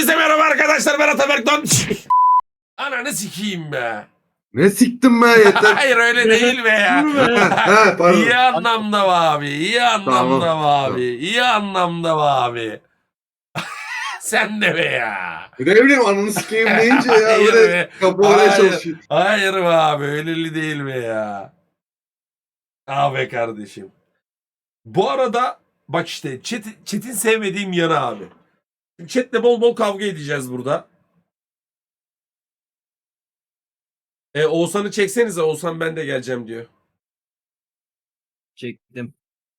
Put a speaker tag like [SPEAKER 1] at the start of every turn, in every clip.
[SPEAKER 1] Hepinize merhaba arkadaşlar, ben Ataberk Don. Ananı sikeyim be.
[SPEAKER 2] Ne siktim be yeter.
[SPEAKER 1] Hayır öyle değil be ya.
[SPEAKER 2] Ha, pardon.
[SPEAKER 1] İyi anlamda mı abi? İyi anlamda
[SPEAKER 2] Tamam,
[SPEAKER 1] mı abi?
[SPEAKER 2] tamam.
[SPEAKER 1] İyi anlamda mı abi? Sen de be ya.
[SPEAKER 2] Ne bileyim ananı sikeyim deyince ya
[SPEAKER 1] Hayır
[SPEAKER 2] böyle
[SPEAKER 1] be.
[SPEAKER 2] kapılamaya
[SPEAKER 1] Hayır.
[SPEAKER 2] çalışıyor.
[SPEAKER 1] Hayır be abi, öyleli değil be ya. Abi kardeşim. Bu arada bak işte chat'in sevmediğim yanı abi. Chat'le bol bol kavga edeceğiz burada. Oğuzhan'ı çeksenize. Oğuzhan ben de geleceğim diyor.
[SPEAKER 3] Çektim.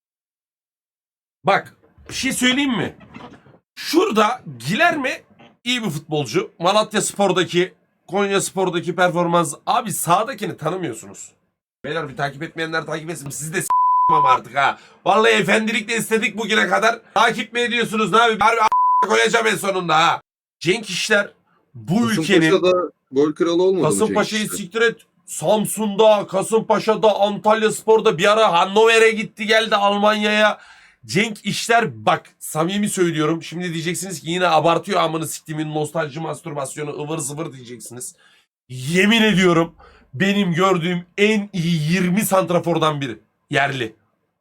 [SPEAKER 1] Bak bir şey söyleyeyim mi? Şurada Gilerme iyi bir futbolcu. Malatya Spor'daki, Konya Spor'daki performans. Abi sağdakini tanımıyorsunuz. Beyler bir takip etmeyenler takip etsin. Siz de ama artık ha. Vallahi efendilikle istedik bugüne kadar. Takip mi ediyorsunuz ne abi? Harbi koyacağım en sonunda ha. Cenk İşler bu ülkenin...
[SPEAKER 2] Kasımpaşa'da gol kralı olmadı mı
[SPEAKER 1] Kasımpaşa'yı
[SPEAKER 2] Cenk İşler?
[SPEAKER 1] siktir et. Samsun'da, Kasımpaşa'da, Antalyaspor'da bir ara Hannover'e gitti geldi Almanya'ya. Cenk İşler bak samimi söylüyorum. Şimdi diyeceksiniz ki yine abartıyor amını siktimin nostalji mastürbasyonu ıvır zıvır diyeceksiniz. Yemin ediyorum benim gördüğüm en iyi 20 santrafordan biri. Yerli.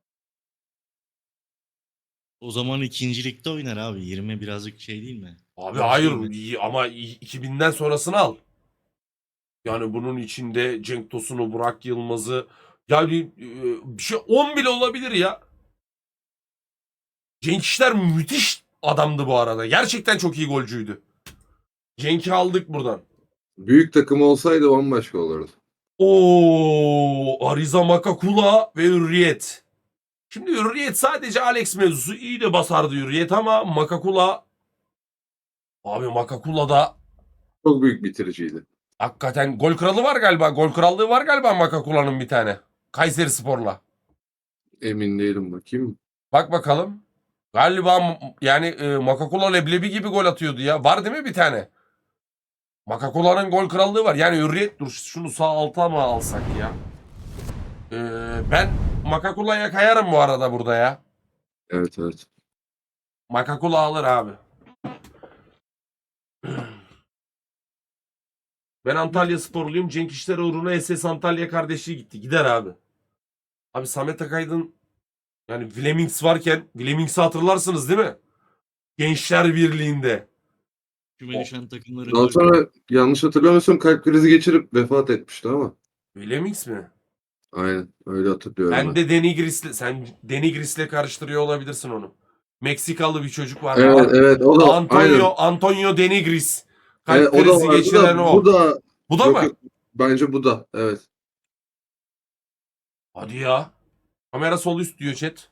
[SPEAKER 4] O zaman ikincilikte oynar abi. 20 birazcık şey değil mi?
[SPEAKER 1] Abi
[SPEAKER 4] Boş
[SPEAKER 1] hayır
[SPEAKER 4] değil mi?
[SPEAKER 1] iyi ama 2000'den sonrasını al. Yani bunun içinde Cenk Tosun'u, Burak Yılmaz'ı yani bir şey 10 bile olabilir ya. Cenk İşler müthiş adamdı bu arada. Gerçekten çok iyi golcüydü. Cenk'i aldık buradan.
[SPEAKER 2] Büyük takım olsaydı bambaşka olurdu.
[SPEAKER 1] Oo, Ariza Makakula ve Hürriyet. Şimdi Hürriyet sadece Alex mevzusu iyi de basardı Hürriyet ama Makakula abi Makakula da
[SPEAKER 2] Çok büyük bitiriciydi.
[SPEAKER 1] hakikaten gol kralı var galiba. Gol krallığı var galiba Makakula'nın bir tane. Kayserispor'la.
[SPEAKER 2] Emin değilim bakayım.
[SPEAKER 1] Bak bakalım. Galiba yani Makakula leblebi gibi gol atıyordu ya. Var değil mi bir tane? Makakula'nın gol krallığı var. Yani Hürriyet dur şunu sağ alta mı alsak ya? Ben Makakula'ya kayarım bu arada burada ya.
[SPEAKER 2] Evet evet.
[SPEAKER 1] Makakula alır abi. Ben Antalya sporluyum. Cenk İşler uğruna SS Antalya kardeşliği gitti. Gider abi. Abi Samet Akaydın yani Vlemings varken Vlemings'i hatırlarsınız değil mi? Gençler Birliği'nde.
[SPEAKER 4] Küme düşen takımların
[SPEAKER 2] Daha sonra yanlış hatırlamıyorsam kalp krizi geçirip vefat etmişti ama.
[SPEAKER 1] Vlemings mi?
[SPEAKER 2] Aynen öyle hatırlıyorum
[SPEAKER 1] Ben de sen Denigris'le karıştırıyor olabilirsin onu. Meksikalı bir çocuk var.
[SPEAKER 2] Evet evet o da aynen.
[SPEAKER 1] Antonio Denigris. Kalp
[SPEAKER 2] Evet, o da
[SPEAKER 1] krizi
[SPEAKER 2] vardı
[SPEAKER 1] geçiren
[SPEAKER 2] da
[SPEAKER 1] o.
[SPEAKER 2] bu da
[SPEAKER 1] Bu da
[SPEAKER 2] yok,
[SPEAKER 1] mı?
[SPEAKER 2] yok. Bence bu da evet.
[SPEAKER 1] Hadi ya. Kamera sol üst diyor chat.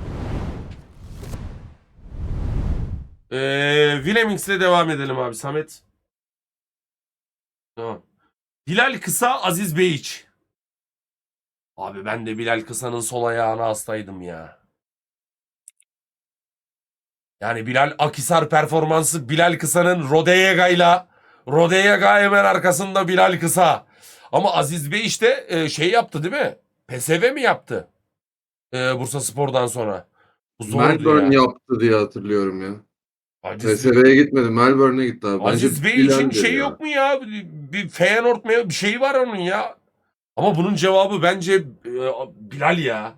[SPEAKER 1] Vlemings'le devam edelim abi Samet. Tamam. Bilal Kısa, Aziz Beyiç. Abi ben de Bilal Kısa'nın sol ayağına hastaydım ya. Yani Bilal Akhisar performansı Bilal Kısa'nın Rodeyega'yla hemen arkasında Bilal Kısa. Ama Aziz Bey işte şey yaptı değil mi? PSV mi yaptı? Bursaspor'dan sonra. Bu zordu
[SPEAKER 2] Melbourne
[SPEAKER 1] ya.
[SPEAKER 2] yaptı diye hatırlıyorum ya.
[SPEAKER 1] Aziz,
[SPEAKER 2] PSV'ye gitmedi. Melbourne'e gitti abi. Bence
[SPEAKER 1] Aziz Bey için
[SPEAKER 2] Bilal'dir
[SPEAKER 1] şey
[SPEAKER 2] ya.
[SPEAKER 1] yok mu ya? Bir Feyenoord mu bir şey var onun ya. Ama bunun cevabı bence Bilal ya.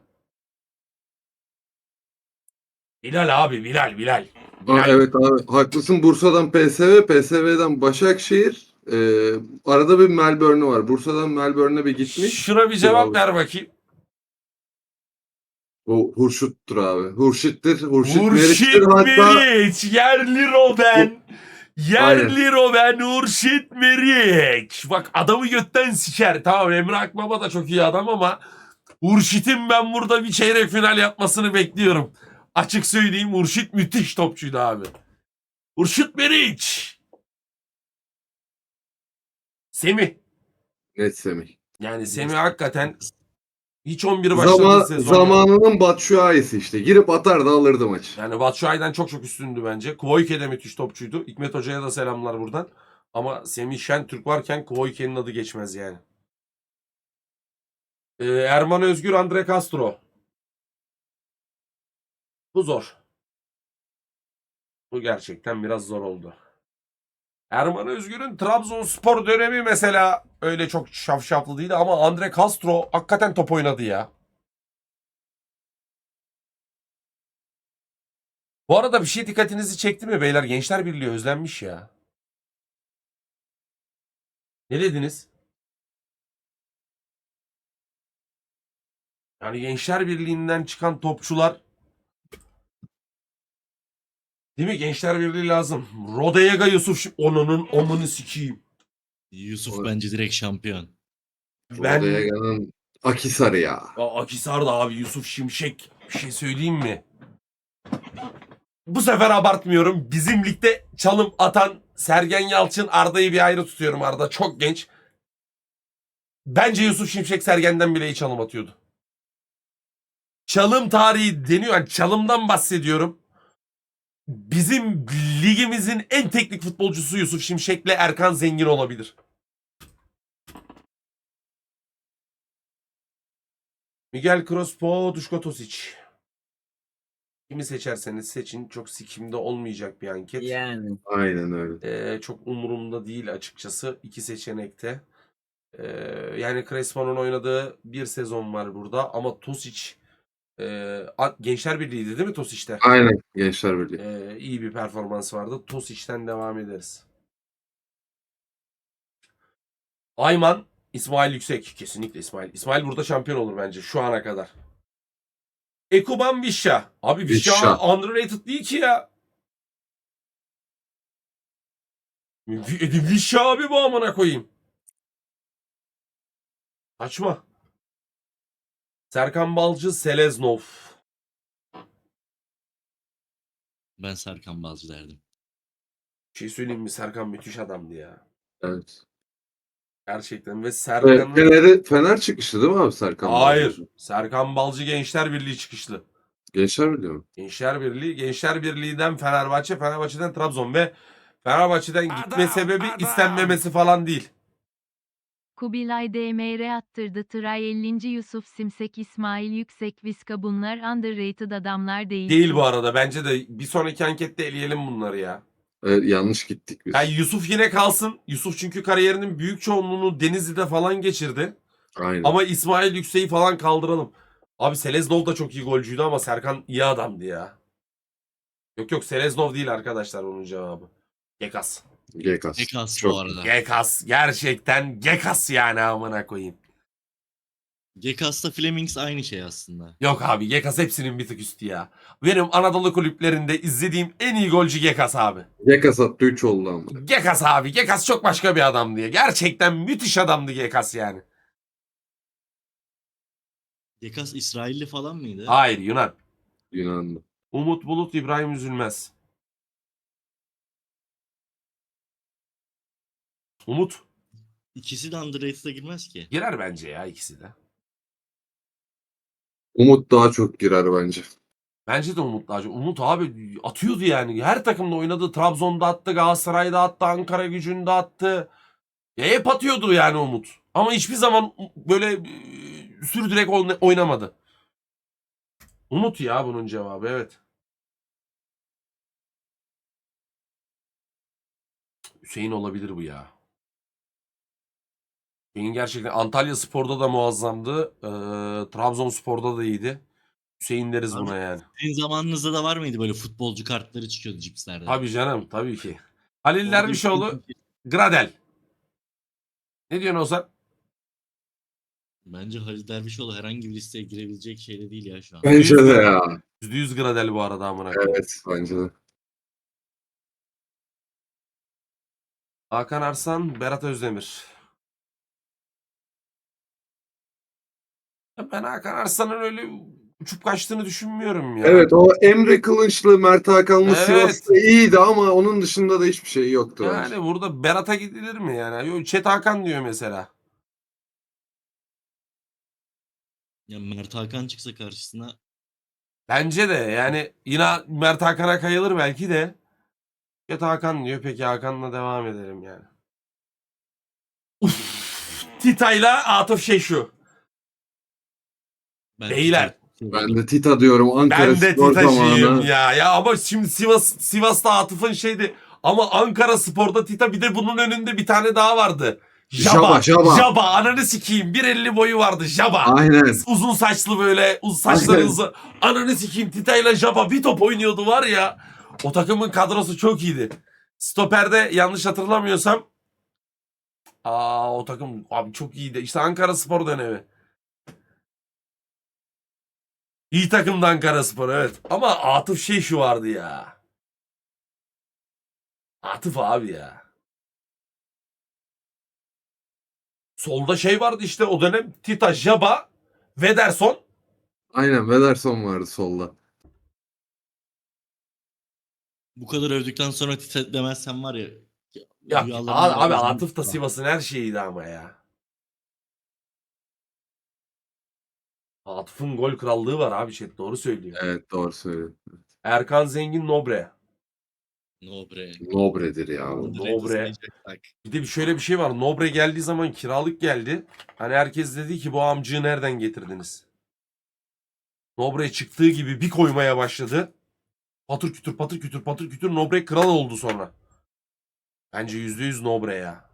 [SPEAKER 1] Bilal abi Bilal.
[SPEAKER 2] Evet abi haklısın. Bursa'dan PSV, PSV'den Başakşehir. Arada bir Melbourne'ü var. Bursa'dan Melbourne'e bir gitmiş.
[SPEAKER 1] Şuna bir cevap ver bakayım.
[SPEAKER 2] O Hurşit'tir abi. Hurşit
[SPEAKER 1] Hurşit
[SPEAKER 2] Meriç'tir hatta.
[SPEAKER 1] Meriç. Yerli Robben. Yerli Robben Hurşit Meriç. Bak adamı götten siker. Tamam Emre Akbaba da çok iyi adam ama Hurşit'in ben burada bir çeyrek final yapmasını bekliyorum. Açık söyleyeyim Hurşit müthiş topçuydu abi. Hurşit Meriç. Semih.
[SPEAKER 2] Net Semih.
[SPEAKER 1] Yani Semih hakikaten hiç 11 başladığı sezon.
[SPEAKER 2] Zamanının Batshuayi'si işte. Girip atar da alırdı maçı.
[SPEAKER 1] Yani Batshuayi'den çok üstündü bence. Kvoyke de müthiş topçuydu. Hikmet Hoca'ya da selamlar buradan. Ama Semih Şentürk varken Kvoyke'nin adı geçmez yani. Erman Özgür, Andre Castro. Bu zor. Bu gerçekten biraz zor oldu. Erman Özgür'ün Trabzonspor dönemi mesela öyle çok şafşaflı değildi ama Andre Castro hakikaten top oynadı ya. Bu arada bir şey dikkatinizi çekti mi beyler? Gençler Birliği özlenmiş ya. Ne dediniz? Yani Gençler Birliği'nden çıkan topçular, değil mi? Gençler Birliği lazım. Rodayega Yusuf onunun omunu sikeyim.
[SPEAKER 4] Yusuf
[SPEAKER 2] O-
[SPEAKER 4] bence direkt şampiyon.
[SPEAKER 1] Ben
[SPEAKER 2] Rodayega'nın Akisar'ı ya.
[SPEAKER 1] Akhisar'da abi Yusuf Şimşek, bir şey söyleyeyim mi? Bu sefer abartmıyorum. Bizim ligde çalım atan Sergen Yalçın, Arda'yı bir ayrı tutuyorum. Arda çok genç. Bence Yusuf Şimşek Sergen'den bile iyi çalım atıyordu. Çalım tarihi deniyor. Yani çalımdan bahsediyorum. Bizim ligimizin en teknik futbolcusu Yusuf Şimşek'le Erkan Zengin olabilir. Miguel Crespo, Duško Tosic. Kimi seçerseniz seçin. Çok sikimde olmayacak bir anket.
[SPEAKER 3] Yani.
[SPEAKER 2] Aynen öyle.
[SPEAKER 1] Çok umurumda değil açıkçası. İki seçenekte. Yani Crespo'nun oynadığı bir sezon var burada. Ama Tosic Gençler Birliği'ydi değil mi Tosic'te?
[SPEAKER 2] Aynen Gençler Birliği.
[SPEAKER 1] İyi bir performans vardı. Tosic'ten devam ederiz. Ayman, İsmail Yüksek. Kesinlikle İsmail. İsmail burada şampiyon olur bence şu ana kadar. Ekuban Vişya. Abi Vişya
[SPEAKER 2] Vişya.
[SPEAKER 1] underrated değil ki ya. Vişya abi bu amına koyayım. Açma. Serkan Balcı, Seleznov.
[SPEAKER 4] Ben Serkan Balcı derdim.
[SPEAKER 1] Bir şey söyleyeyim mi? Serkan müthiş adamdı ya.
[SPEAKER 2] Evet.
[SPEAKER 1] Gerçekten ve
[SPEAKER 2] Ve
[SPEAKER 1] Serkan'ın...
[SPEAKER 2] Fener çıkıştı değil mi abi Serkan
[SPEAKER 1] Hayır.
[SPEAKER 2] Balcı?
[SPEAKER 1] Serkan Balcı Gençler Birliği çıkışlı.
[SPEAKER 2] Gençler Birliği mi?
[SPEAKER 1] Gençler Birliği. Gençler Birliği'den Fenerbahçe, Fenerbahçe'den Trabzon ve Fenerbahçe'den gitme sebebi istenmemesi falan değil.
[SPEAKER 5] Kubilay DMR attırdı Tray 50. Yusuf Simsek İsmail Yüksek Viska bunlar underrated adamlar değil.
[SPEAKER 1] Değil bu arada. Bence de bir sonraki ankette eleyelim bunları ya.
[SPEAKER 2] Evet, yanlış gittik biz.
[SPEAKER 1] Yani Yusuf yine kalsın. Yusuf çünkü kariyerinin büyük çoğunluğunu Denizli'de falan geçirdi.
[SPEAKER 2] Aynen.
[SPEAKER 1] Ama İsmail Yüksek'i falan kaldıralım. Abi Seleznov da çok iyi golcüydü ama Serkan iyi adamdı ya. Yok Seleznov değil arkadaşlar onun cevabı. Gekas.
[SPEAKER 2] Gekas.
[SPEAKER 4] Ekas
[SPEAKER 2] Çok
[SPEAKER 4] bu arada.
[SPEAKER 1] Gekas. Gerçekten Gekas yani amına koyayım.
[SPEAKER 4] Gekas'la Flemings aynı şey aslında.
[SPEAKER 1] Yok abi Gekas hepsinin bir tık üstü ya. Benim Anadolu kulüplerinde izlediğim en iyi golcü Gekas abi.
[SPEAKER 2] Gekas attı 3 oldu ama.
[SPEAKER 1] Gekas abi. Gekas çok başka bir adam diye. Gerçekten müthiş adamdı Gekas yani.
[SPEAKER 4] Gekas İsrailli falan mıydı?
[SPEAKER 1] Hayır Yunan.
[SPEAKER 2] Yunanlı.
[SPEAKER 1] Umut Bulut, İbrahim Üzülmez. Umut
[SPEAKER 4] İkisi de underrated'a girmez ki.
[SPEAKER 1] girer bence ya ikisi de.
[SPEAKER 2] Umut daha çok girer bence.
[SPEAKER 1] Bence de Umut daha çok. Umut abi atıyordu yani. Her takımda oynadı. Trabzon'da attı, Galatasaray'da attı, Ankara Gücü'nde attı. Ya hep atıyordu yani Umut. Ama hiçbir zaman böyle sürdürerek oynamadı. Umut ya bunun cevabı evet. Hüseyin olabilir bu ya. Hüseyin gerçekten Antalya Spor'da da muazzamdı. Trabzonspor'da da iyiydi. Hüseyin deriz
[SPEAKER 4] Abi,
[SPEAKER 1] buna yani.
[SPEAKER 4] Sizin zamanınızda da var mıydı böyle futbolcu kartları çıkıyordu cipslerde?
[SPEAKER 1] Tabii canım tabii ki. Halil
[SPEAKER 4] Orada
[SPEAKER 1] Dervişoğlu, Gradel. Ne diyorsun Ozan?
[SPEAKER 4] Bence Halil Dervişoğlu herhangi bir listeye girebilecek şey de değil ya şu an.
[SPEAKER 2] Bence de ya.
[SPEAKER 1] %100 Gradel bu arada amına koyayım.
[SPEAKER 2] Evet bence de.
[SPEAKER 1] Hakan Arslan, Berat Özdemir. Ya ben Hakan Arslan'ın öyle uçup kaçtığını düşünmüyorum ya.
[SPEAKER 2] Evet o Emre Kılınçlı, Mert Hakanlı
[SPEAKER 1] Evet.
[SPEAKER 2] Sivas'ta iyiydi ama onun dışında da hiçbir şey yoktu
[SPEAKER 1] Yani
[SPEAKER 2] bence.
[SPEAKER 1] burada Berat'a gidilir mi yani? Yo, Çet Hakan diyor mesela.
[SPEAKER 4] Ya Mert Hakan çıksa karşısına
[SPEAKER 1] Bence de yani yine Mert Hakan'a kayılır belki de. Çet Hakan diyor. Peki Hakan'la devam edelim yani. Uf, Tita'yla Atıf Şeşu.
[SPEAKER 4] ben
[SPEAKER 1] Beyler.
[SPEAKER 2] Ben de Tita diyorum Ankara
[SPEAKER 1] Ben de
[SPEAKER 2] Spor
[SPEAKER 1] Tita'cıyım
[SPEAKER 2] zamanı.
[SPEAKER 1] ya. Ya ama şimdi Sivas'ta Atıf'ın şeydi. Ama Ankara Spor'da Tita, bir de bunun önünde bir tane daha vardı.
[SPEAKER 2] Jaba.
[SPEAKER 1] Jaba. Ananı sikeyim. 1.50 boyu vardı Jaba.
[SPEAKER 2] Aynen.
[SPEAKER 1] Uzun saçlı böyle. Uzun saçları
[SPEAKER 2] Aynen.
[SPEAKER 1] uzun. Ananı sikeyim, Tita ile Jaba bir top oynuyordu var ya. O takımın kadrosu çok iyiydi. Stoper'de yanlış hatırlamıyorsam. O takım abi çok iyiydi. İşte Ankara Spor dönemi. İyi takımdı Ankara Spor, evet. Ama Atıf şu vardı ya. Atıf abi ya. Solda vardı işte o dönem. Tita, Jaba, Vederson.
[SPEAKER 2] Aynen. Vederson vardı solda.
[SPEAKER 4] Bu kadar övdükten sonra Tite demezsen var ya.
[SPEAKER 1] Ya
[SPEAKER 4] rüyalarımın
[SPEAKER 1] abi
[SPEAKER 4] arasında-
[SPEAKER 1] Atıf da Sivas'ın her şeyiydi ama ya. Atıf'ın gol krallığı var abi, chat doğru söylüyor.
[SPEAKER 2] Evet, doğru söylüyorsun.
[SPEAKER 1] Erkan Zengin, Nobre.
[SPEAKER 4] Nobre.
[SPEAKER 2] Nobre'dir ya.
[SPEAKER 1] Nobre. Bir de şöyle bir şey var. Nobre geldiği zaman kiralık geldi. Hani herkes dedi ki bu amcığı nereden getirdiniz? Nobre çıktığı gibi bir koymaya başladı. Patır kütür patır kütür patır kütür Nobre kral oldu sonra. Bence %100 Nobre ya.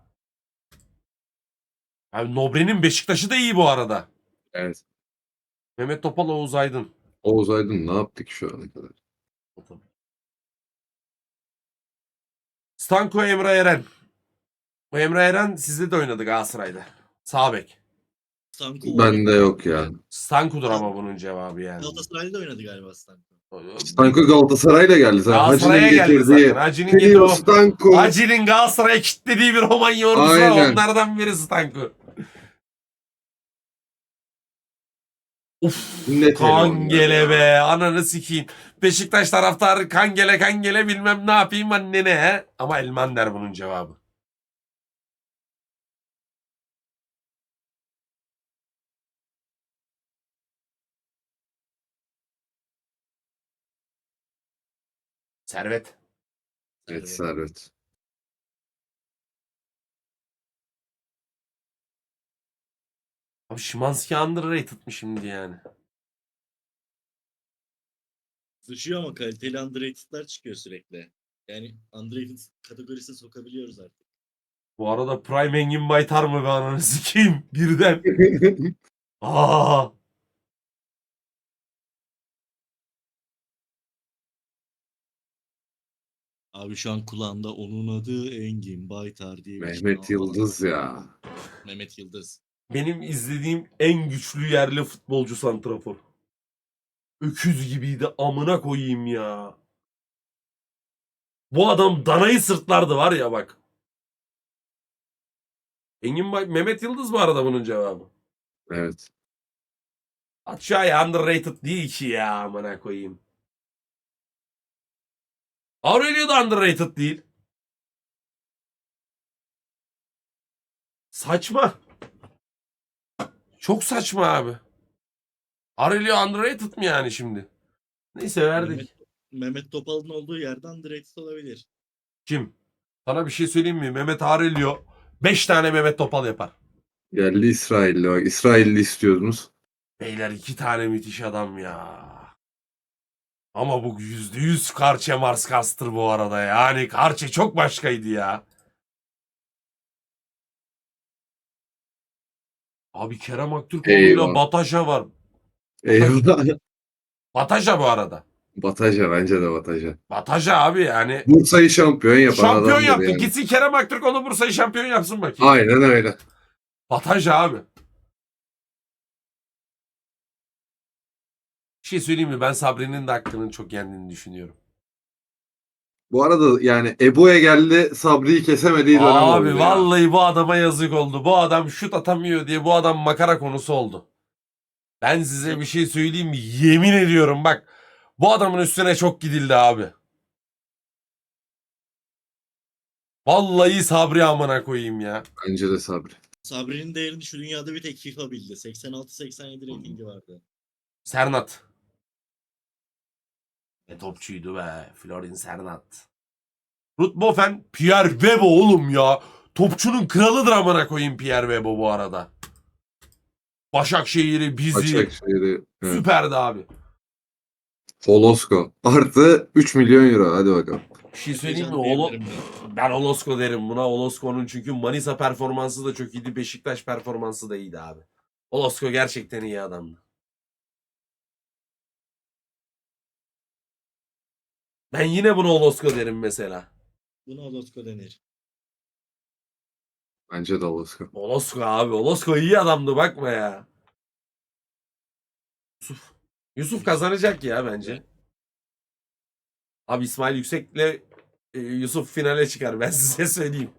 [SPEAKER 1] Abi Nobre'nin Beşiktaş'ı da iyi bu arada.
[SPEAKER 2] Evet.
[SPEAKER 1] Mehmet Topal, Oğuz Aydın.
[SPEAKER 2] Oğuz Aydın ne yaptık şu ana kadar?
[SPEAKER 1] Stanko, Emre Eren. Bu Emre Eren sizde de oynadı Galatasaray'da. Sağ bek.
[SPEAKER 4] Stanko
[SPEAKER 2] Bende yok ya.
[SPEAKER 1] Stanko'dur ama bunun cevabı yani.
[SPEAKER 4] Galatasaray'da oynadı galiba Stanko.
[SPEAKER 2] Stanko Galatasaray'la geldi zaten.
[SPEAKER 1] Galatasaray'a
[SPEAKER 2] Hacı'nın
[SPEAKER 1] geldi
[SPEAKER 2] getirdiği.
[SPEAKER 1] zaten. Hacı'nın getirdiği
[SPEAKER 2] Trio
[SPEAKER 1] o.
[SPEAKER 2] Stanko.
[SPEAKER 1] Hacı'nın Galatasaray'a kilitlediği bir Romanya ordusu var.
[SPEAKER 2] Aynen.
[SPEAKER 1] Onlardan biri Stanko. Uf,
[SPEAKER 2] Net
[SPEAKER 1] Kangele
[SPEAKER 2] eleman
[SPEAKER 1] be.
[SPEAKER 2] ya.
[SPEAKER 1] Ananı sikeyim. Beşiktaş taraftarı Kangele bilmem ne yapayım annene he. Ama Elmander bunun cevabı. Servet.
[SPEAKER 2] Evet, Servet.
[SPEAKER 1] Abi Szymanski underrated mi şimdi yani?
[SPEAKER 4] Sıçıyor ama kaliteli underrated'lar çıkıyor sürekli. Yani underrated kategorisine sokabiliyoruz artık.
[SPEAKER 1] Bu arada Prime Engin Baytar mı be ananı sikeyim birden. Aa.
[SPEAKER 4] Abi şu an kulağımda onun adı Engin Baytar diye bir şey.
[SPEAKER 2] Mehmet Yıldız ya.
[SPEAKER 4] Mehmet Yıldız.
[SPEAKER 1] Benim izlediğim en güçlü yerli futbolcu santrafor. Öküz gibiydi amına koyayım ya. Bu adam danayı sırtlardı var ya bak. Mehmet Yıldız bu arada bunun cevabı.
[SPEAKER 2] Evet.
[SPEAKER 1] Aşağıya underrated değil ki ya amına koyayım. Aurelio da underrated değil. Saçma. Çok saçma abi. Aurelio underrated mi yani şimdi? Neyse verdik.
[SPEAKER 4] Mehmet Topal'ın olduğu yerde underrated olabilir.
[SPEAKER 1] Kim? Sana bir şey söyleyeyim mi? Mehmet Aurelio 5 tane Mehmet Topal yapar.
[SPEAKER 2] Geldi İsrailli. Bak İsrailli istiyordunuz.
[SPEAKER 1] Beyler 2 tane müthiş adam ya. Ama bu %100 Karçe Marskastır bu arada. Yani Karçe çok başkaydı ya. Abi Kerem Aktürkoğlu'yla
[SPEAKER 2] Eyvah.
[SPEAKER 1] Bataja var.
[SPEAKER 2] Eyvallah.
[SPEAKER 1] Bataja bu arada.
[SPEAKER 2] Bataja, bence de Bataja.
[SPEAKER 1] Bataja abi yani.
[SPEAKER 2] Bursa'yı şampiyon yapan
[SPEAKER 1] Şampiyon
[SPEAKER 2] adamdır
[SPEAKER 1] yaptı.
[SPEAKER 2] yani.
[SPEAKER 1] Gitsin Kerem Aktürkoğlu Bursa'yı şampiyon yapsın bakayım.
[SPEAKER 2] Aynen öyle.
[SPEAKER 1] Bataja abi. Bir şey söyleyeyim mi? Ben Sabri'nin de hakkının çok yendiğini düşünüyorum.
[SPEAKER 2] Bu arada yani Ebo'ya geldi, Sabri'yi kesemediği dönem oldu
[SPEAKER 1] Abi
[SPEAKER 2] ya.
[SPEAKER 1] vallahi bu adama yazık oldu. Bu adam şut atamıyor diye bu adam makara konusu oldu. Ben size bir şey söyleyeyim mi? Yemin ediyorum bak. Bu adamın üstüne çok gidildi abi. Vallahi Sabri amına koyayım ya.
[SPEAKER 2] Bence de Sabri.
[SPEAKER 4] Sabri'nin değerini şu dünyada bir tek FIFA bildi. 86-87 ratingi vardı.
[SPEAKER 1] Sernat. Ne topçuydu be. Florin Sernat. Ruud Boffen, Pierre Webo oğlum ya. Topçunun kralıdır amına koyayım Pierre Webo bu arada. Başakşehir'i, bizi.
[SPEAKER 2] Başakşehir'i. Evet.
[SPEAKER 1] Süperdi abi.
[SPEAKER 2] Holosko. Artı 3 milyon euro. Hadi bakalım.
[SPEAKER 1] Bir şey söyleyeyim mi?
[SPEAKER 4] Efecan diyebilirim ben.
[SPEAKER 1] Ben Olosko derim buna. Olosko'nun çünkü Manisa performansı da çok iyiydi. Beşiktaş performansı da iyiydi abi. Olosko gerçekten iyi adamdı. Ben yine buna Olosko derim mesela.
[SPEAKER 4] Buna Olosko denir.
[SPEAKER 2] Bence de Alaska.
[SPEAKER 1] Olosko abi. Olosko iyi adamdı bakma ya. Yusuf. Yusuf kazanacak ya bence. Abi İsmail Yüksek'le Yusuf finale çıkar ben size söyleyeyim.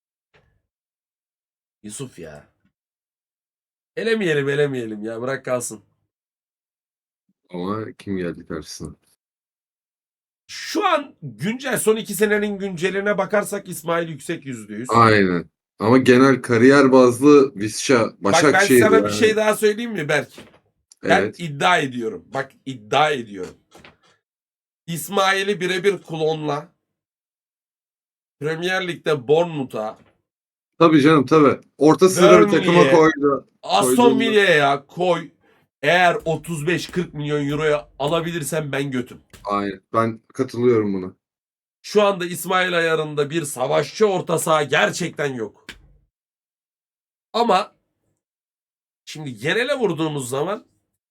[SPEAKER 1] Yusuf ya. Elemeyelim ya bırak kalsın.
[SPEAKER 2] Ama kim geldi karşısına?
[SPEAKER 1] Şu an güncel son 2 senenin günceline bakarsak İsmail Yüksek %100.
[SPEAKER 2] Aynen. Ama genel kariyer bazlı Visca,
[SPEAKER 1] Bak ben
[SPEAKER 2] Başakşehir
[SPEAKER 1] sana bir
[SPEAKER 2] yani.
[SPEAKER 1] şey daha söyleyeyim mi Berk? Ben
[SPEAKER 2] Evet.
[SPEAKER 1] iddia ediyorum. Bak iddia ediyorum. İsmail'i birebir klonla Premier Lig'de Bournemouth'a,
[SPEAKER 2] Tabii canım tabii. Orta sıra bir takıma
[SPEAKER 1] Burnley'e,
[SPEAKER 2] koydu.
[SPEAKER 1] Aston
[SPEAKER 2] Koyduğunda-
[SPEAKER 1] Villa'ya koy. Eğer 35-40 milyon euroya alabilirsem ben götüm.
[SPEAKER 2] Aynen. Ben katılıyorum buna.
[SPEAKER 1] Şu anda İsmail ayarında bir savaşçı orta saha gerçekten yok. Ama şimdi genele vurduğumuz zaman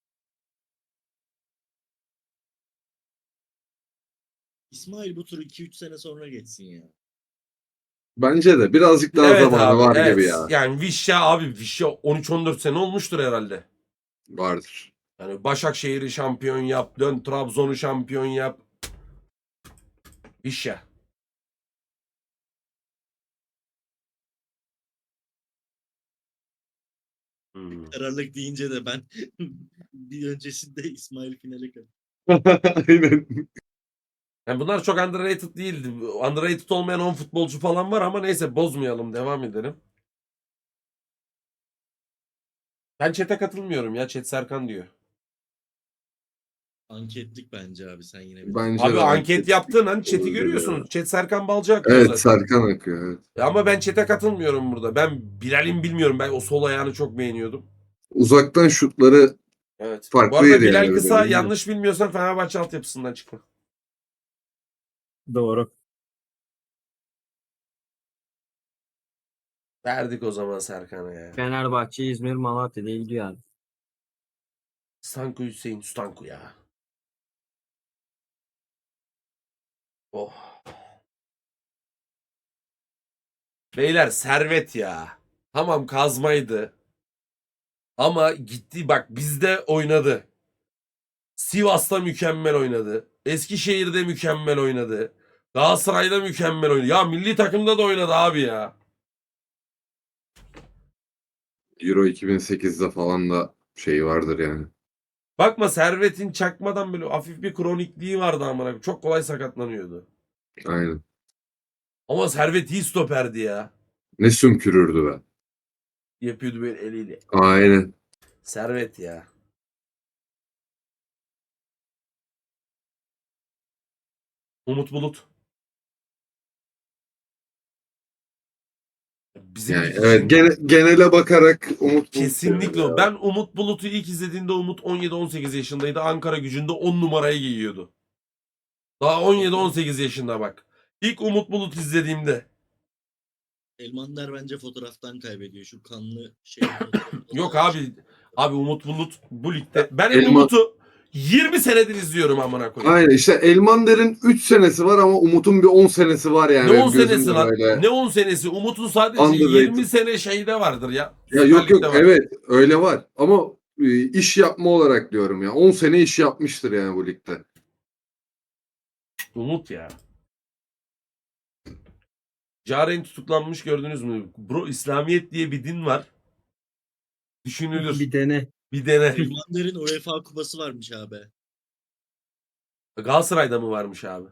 [SPEAKER 4] İsmail bu turu 2-3 sene sonra geçsin ya.
[SPEAKER 2] Bence de birazcık daha
[SPEAKER 1] evet
[SPEAKER 2] zamanı
[SPEAKER 1] abi,
[SPEAKER 2] var
[SPEAKER 1] evet.
[SPEAKER 2] gibi ya.
[SPEAKER 1] Yani Vişya 13-14 sene olmuştur herhalde.
[SPEAKER 2] Vardır.
[SPEAKER 1] Yani Başakşehir'i şampiyon yap, dön Trabzon'u şampiyon yap. Vişya. Hmm.
[SPEAKER 4] Kararlılık deyince de ben bir öncesinde İsmail finale kaldı.
[SPEAKER 2] Aynen.
[SPEAKER 1] Yani bunlar çok underrated değildi. Underrated olmayan 10 futbolcu falan var ama neyse bozmayalım, devam edelim. Ben chat'e katılmıyorum ya. Chat Serkan diyor.
[SPEAKER 4] Anketlik bence abi sen yine bir.
[SPEAKER 2] Bence
[SPEAKER 1] Abi
[SPEAKER 2] de
[SPEAKER 1] anket yaptığın an chat'i
[SPEAKER 2] olabilir
[SPEAKER 1] görüyorsunuz.
[SPEAKER 2] ya.
[SPEAKER 1] Chat Serkan Balcı akıyor
[SPEAKER 2] Evet
[SPEAKER 1] zaten.
[SPEAKER 2] Serkan akıyor. Evet.
[SPEAKER 1] Ama ben chat'e katılmıyorum burada. Ben Bilal'in bilmiyorum. Ben o sol ayağını çok beğeniyordum.
[SPEAKER 2] Uzaktan şutları
[SPEAKER 1] Evet. Bu
[SPEAKER 2] farklı
[SPEAKER 1] arada
[SPEAKER 2] yeri
[SPEAKER 1] Bilal
[SPEAKER 2] yani.
[SPEAKER 1] Kısa
[SPEAKER 2] Böyle,
[SPEAKER 1] yanlış bilmiyorsam Fenerbahçe altyapısından çıkma.
[SPEAKER 3] Doğru.
[SPEAKER 1] Verdik o zaman Serkan'a ya.
[SPEAKER 3] Fenerbahçe, İzmir, Malatya diye gidiyor abi.
[SPEAKER 1] Stanku Hüseyin Stanku ya. Oh. Beyler servet ya. Tamam kazmaydı. Ama gitti bak bizde oynadı. Sivas'ta mükemmel oynadı. Eskişehir'de mükemmel oynadı. Galatasaray'da mükemmel oynadı. Ya milli takımda da oynadı abi ya.
[SPEAKER 2] Euro 2008'de falan da şey vardır yani.
[SPEAKER 1] Bakma Servet'in çakmadan böyle hafif bir kronikliği vardı amına koyayım. Çok kolay sakatlanıyordu.
[SPEAKER 2] Aynen.
[SPEAKER 1] Ama Servet iyi stoperdi ya.
[SPEAKER 2] Ne sümkürürdü be.
[SPEAKER 1] Yapıyordu böyle eliyle.
[SPEAKER 2] Aynen.
[SPEAKER 1] Servet ya. Umut Bulut. Bizim
[SPEAKER 2] Yani
[SPEAKER 1] için
[SPEAKER 2] evet genele bakarak Umut
[SPEAKER 1] kesinlikle
[SPEAKER 2] Bulut
[SPEAKER 1] o. Ben Umut Bulut'u ilk izlediğimde Umut 17-18 yaşındaydı. Ankara Gücü'nde 10 numarayı giyiyordu. Daha 17-18 yaşında bak. İlk Umut Bulut izlediğimde.
[SPEAKER 4] Elmander bence fotoğraftan kaybediyor. Şu kanlı şey.
[SPEAKER 1] Yok abi. Abi Umut Bulut bu ligde. Ben
[SPEAKER 2] Elma-
[SPEAKER 1] Umut'u 20 senedir izliyorum amına koyayım.
[SPEAKER 2] Aynen işte Elmander'in 3 senesi var ama Umut'un bir 10 senesi var yani.
[SPEAKER 1] Ne 10
[SPEAKER 2] Benim gözümde
[SPEAKER 1] senesi lan?
[SPEAKER 2] böyle.
[SPEAKER 1] Ne 10 senesi? Umut'un sadece
[SPEAKER 2] Underrated.
[SPEAKER 1] 20 sene şeyde vardır ya.
[SPEAKER 2] Ya
[SPEAKER 1] Süper
[SPEAKER 2] yok
[SPEAKER 1] Lig'de var.
[SPEAKER 2] evet öyle var ama iş yapma olarak diyorum ya. 10 sene iş yapmıştır yani bu ligde.
[SPEAKER 1] Umut ya. Caren tutuklanmış gördünüz mü? Bro İslamiyet diye bir din var. Düşünülür.
[SPEAKER 3] Bir dene.
[SPEAKER 1] Bir dene.
[SPEAKER 4] Elmander'in UEFA kupası varmış abi.
[SPEAKER 1] Galatasaray'da mı varmış abi?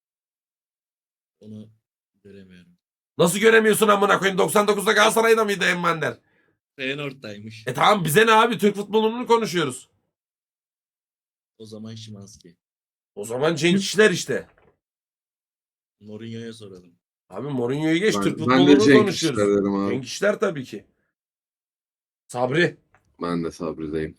[SPEAKER 4] Onu göremiyorum.
[SPEAKER 1] Nasıl göremiyorsun amına koyayım? 99'da Galatasaray'da mıydı Emmander?
[SPEAKER 4] Feyenoord'daymış.
[SPEAKER 1] Tamam bize ne abi? Türk futbolunu konuşuyoruz.
[SPEAKER 4] O zaman Şimanski.
[SPEAKER 1] O zaman Cenk İşler işte.
[SPEAKER 4] Mourinho'ya soralım.
[SPEAKER 1] Abi Mourinho'yu geç, Türk
[SPEAKER 2] Ben de
[SPEAKER 1] futbolunu
[SPEAKER 2] Cenk
[SPEAKER 1] konuşuyoruz.
[SPEAKER 2] İşler derim abi.
[SPEAKER 1] Cenk İşler tabii ki. Sabri.
[SPEAKER 2] Ben de Sabri'deyim.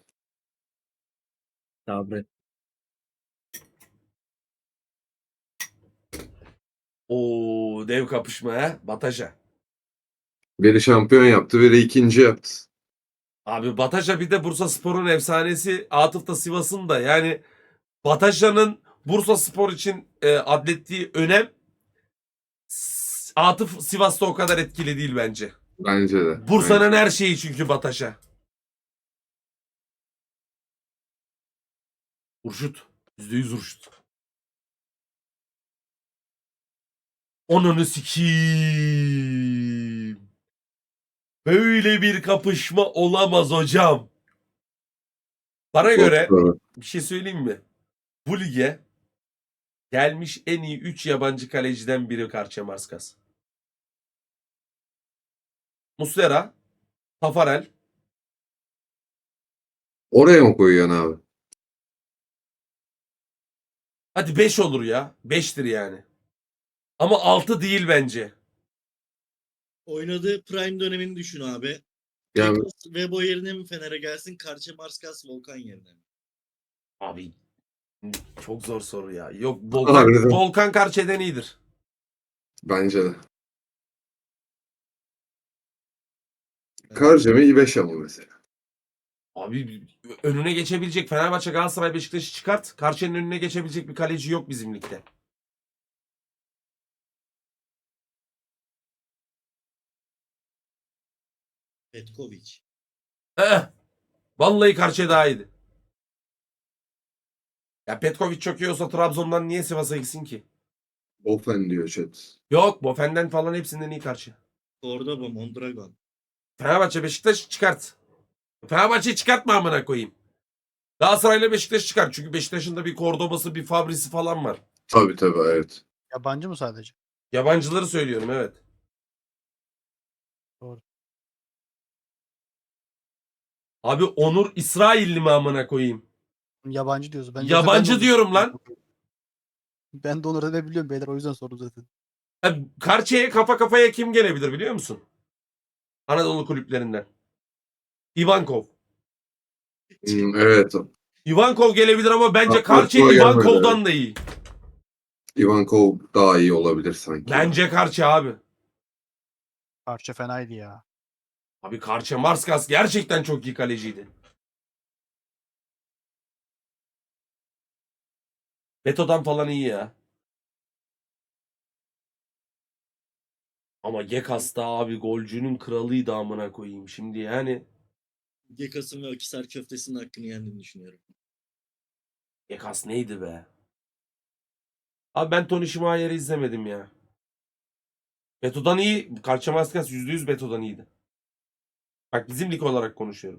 [SPEAKER 3] Sabri.
[SPEAKER 1] Oo, dev kapışma ha. Bataja.
[SPEAKER 2] Biri şampiyon yaptı, biri ikinci yaptı.
[SPEAKER 1] Abi Bataja bir de Bursaspor'un efsanesi. Atıf da Sivas'ın da. Yani Bataja'nın Bursaspor için adlettiği önem Atıf Sivas'ta o kadar etkili değil bence.
[SPEAKER 2] Bence de.
[SPEAKER 1] Bursa'nın her şeyi çünkü Bataja. Urşut. %100 Urşut. Onunu sikiyim. Böyle bir kapışma olamaz hocam. Bana
[SPEAKER 2] Çok
[SPEAKER 1] göre
[SPEAKER 2] doğru.
[SPEAKER 1] bir şey söyleyeyim mi? Bu lige gelmiş en iyi 3 yabancı kaleciden biri Karçemarskas. Muslera, Tafarel.
[SPEAKER 2] Oraya mı koyuyorsun abi?
[SPEAKER 1] Hadi 5 olur ya. 5'tir yani. Ama 6 değil bence.
[SPEAKER 4] Oynadığı prime dönemini düşün abi.
[SPEAKER 2] Yani
[SPEAKER 4] Tekos Vebo yerine mi Fener'e gelsin? Karçemarskas Volkan yerine mi?
[SPEAKER 1] Abi çok zor soru ya. Yok
[SPEAKER 2] Harbiden.
[SPEAKER 1] Volkan Karçe'den iyidir.
[SPEAKER 2] bence de. Karca mı İbeş ama mesela.
[SPEAKER 1] Abi önüne geçebilecek Fenerbahçe, Galatasaray, Beşiktaş'ı çıkart. Karşı'nın önüne geçebilecek bir kaleci yok bizim ligde.
[SPEAKER 4] Petkovic.
[SPEAKER 1] Eh, vallahi Karşı'ya daha iyiydi. Ya Petkovic çok iyi olsa Trabzon'dan niye Sivas'a gitsin ki?
[SPEAKER 2] Ofen diyor chat.
[SPEAKER 1] Yok, Bofen'den falan hepsinden iyi Karşı.
[SPEAKER 4] Cordoba, Mondragon.
[SPEAKER 1] Fenerbahçe, Beşiktaş çıkart. Fenerbahçe'yi çıkartma amına koyayım. Galatasaray'la Beşiktaş çıkart. Çünkü Beşiktaş'ın da bir Cordoba'sı, bir Fabri'si falan var.
[SPEAKER 2] Tabii tabii evet.
[SPEAKER 6] Yabancı mı sadece?
[SPEAKER 1] Yabancıları söylüyorum, evet.
[SPEAKER 6] Doğru.
[SPEAKER 1] Abi Onur İsrailli mi amına koyayım?
[SPEAKER 6] Yabancı diyoruz. Ben
[SPEAKER 1] Yabancı
[SPEAKER 6] ben de
[SPEAKER 1] diyorum lan.
[SPEAKER 6] Ben de onu ne biliyorum beyler, o yüzden sordum zaten.
[SPEAKER 1] Karşıya kafa kafaya kim gelebilir biliyor musun? Anadolu kulüplerinden. Ivankov.
[SPEAKER 2] Evet.
[SPEAKER 1] Ivankov gelebilir ama bence
[SPEAKER 2] Aklıma
[SPEAKER 1] Karçı
[SPEAKER 2] gelmedi,
[SPEAKER 1] Ivankov'dan da iyi.
[SPEAKER 2] Ivankov daha iyi olabilir sanki.
[SPEAKER 1] Bence Karçı abi.
[SPEAKER 6] Parça fenaydı ya.
[SPEAKER 1] Abi Karçı Marskas gerçekten çok iyi kaleciydi. Beto'dan falan iyi ya. Ama Gekas da abi golcünün kralıydı amına koyayım. Şimdi yani
[SPEAKER 4] Gekas'ın ve Akisar köftesinin hakkını yendiğini düşünüyorum.
[SPEAKER 1] Gekas neydi be? Abi ben Tony Schmeier'i izlemedim ya. Beto'dan iyi. Karçı Marskas %100 Beto'dan iyiydi. Bak bizim lig olarak konuşuyorum.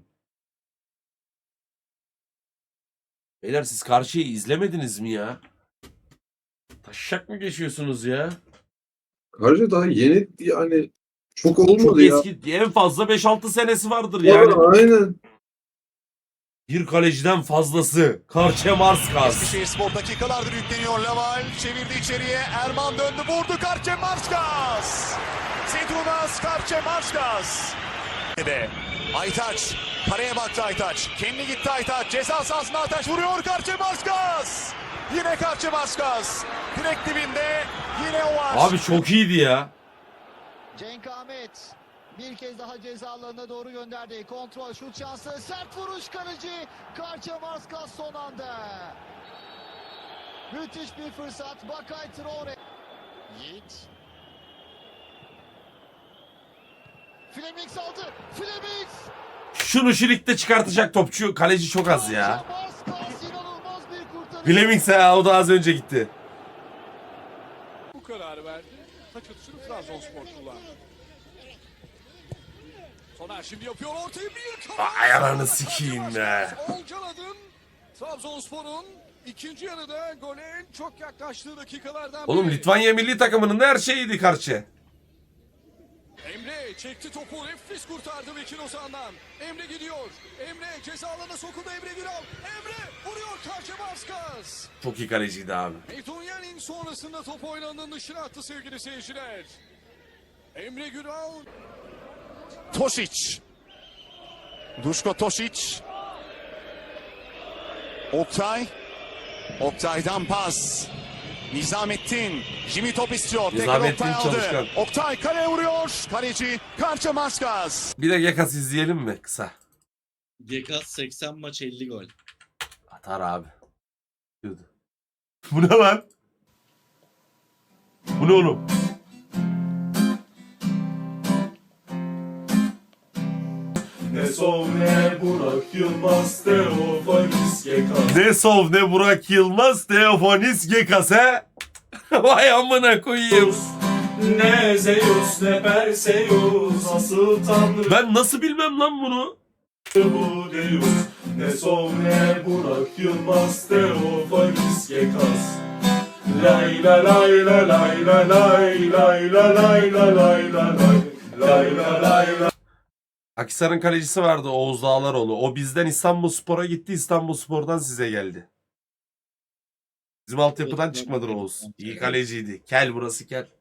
[SPEAKER 1] Beyler siz Karşı'yı izlemediniz mi ya? Taşak mı geçiyorsunuz ya?
[SPEAKER 2] Karca daha yeni yani çok olmadı
[SPEAKER 1] Çok
[SPEAKER 2] ya.
[SPEAKER 1] eski. En fazla 5-6 senesi vardır yani.
[SPEAKER 2] Aynen.
[SPEAKER 1] Bir kaleciden fazlası. Karçe Marskas.
[SPEAKER 7] Eskişehirspor dakikalardır yükleniyor. Laval çevirdi içeriye. Erman döndü vurdu. Karçemarskas. Sedunas Karçemarskas. Aytaç. Kareye baktı Aytaç. Kendi gitti Aytaç. Ceza sahasına Aytaç vuruyor. Karçemarskas. Yine Karçemarskas. Direkt dibinde. Yine o var.
[SPEAKER 1] Abi çok iyiydi ya.
[SPEAKER 8] Cenk Ahmet bir kez daha ceza alanına doğru gönderdi. Kontrol, şut şansı, sert vuruş kaleci. Karçemarskas son anda. Müthiş bir fırsat. Bakay Traore. Yiğit. Flemings aldı. Flemings.
[SPEAKER 1] Şunu şu ligde çıkartacak topçu kaleci çok az ya.
[SPEAKER 8] Karçemarskas inanılmaz bir kurtarış.
[SPEAKER 1] Flemings ya, o da az önce gitti.
[SPEAKER 7] Bu kararı verdi. Taç atışını Trabzonspor kullandı. Soner şimdi yapıyor ortayı bir kafa.
[SPEAKER 1] Ay ananı sikeyim be.
[SPEAKER 7] Olcan Adın Trabzonspor'un ikinci yarıda gole en çok yaklaştığı dakikalardan
[SPEAKER 1] Oğlum
[SPEAKER 7] biri.
[SPEAKER 1] Litvanya milli takımının da her şeyiydi Karçı.
[SPEAKER 7] Emre çekti topu, nefis kurtardı Bekir Ozan'dan. Emre gidiyor. Emre ceza alanına sokuldu. Emre Güral. Emre vuruyor Karçemarskas.
[SPEAKER 1] Çok iyi kaleciydi abi.
[SPEAKER 7] Medunyanin sonrasında top oynanın dışına attı sevgili seyirciler. Emre Güral. Tosic. Duško Tosic. Oktay. Oktay'dan pas. Nizamettin. Jimmy top istiyor. Tekrar
[SPEAKER 1] Nizamettin
[SPEAKER 7] Oktay aldı.
[SPEAKER 1] çalışkan.
[SPEAKER 7] Oktay kaleye vuruyor. Kaleci Karçemarskas.
[SPEAKER 1] Bir de Gekas izleyelim mi kısa?
[SPEAKER 4] Gekas 80 maç 50 gol.
[SPEAKER 1] Atar abi. Bu ne lan? Bu ne oğlum?
[SPEAKER 9] Ne Sov ne Burak Yılmaz Teofanis Gekas.
[SPEAKER 1] Ne Sov ne Burak Yılmaz Teofanis Gekas he? Vay amına koyayım.
[SPEAKER 9] Ne Zeus ne Perseus asıl tanrı
[SPEAKER 1] Ben nasıl bilmem lan bunu?
[SPEAKER 9] bu Deus. Ne Sov ne Burak Yılmaz Teofanis Gekas. Lay la lay la lay la lay lay la lay la lay la lay lay la lay la.
[SPEAKER 1] Akhisar'ın kalecisi vardı Oğuz Dağlaroğlu. O bizden İstanbulspor'a gitti. İstanbulspor'dan size geldi. Bizim altyapıdan çıkmadı Oğuz. İyi kaleciydi. Kel burası kel.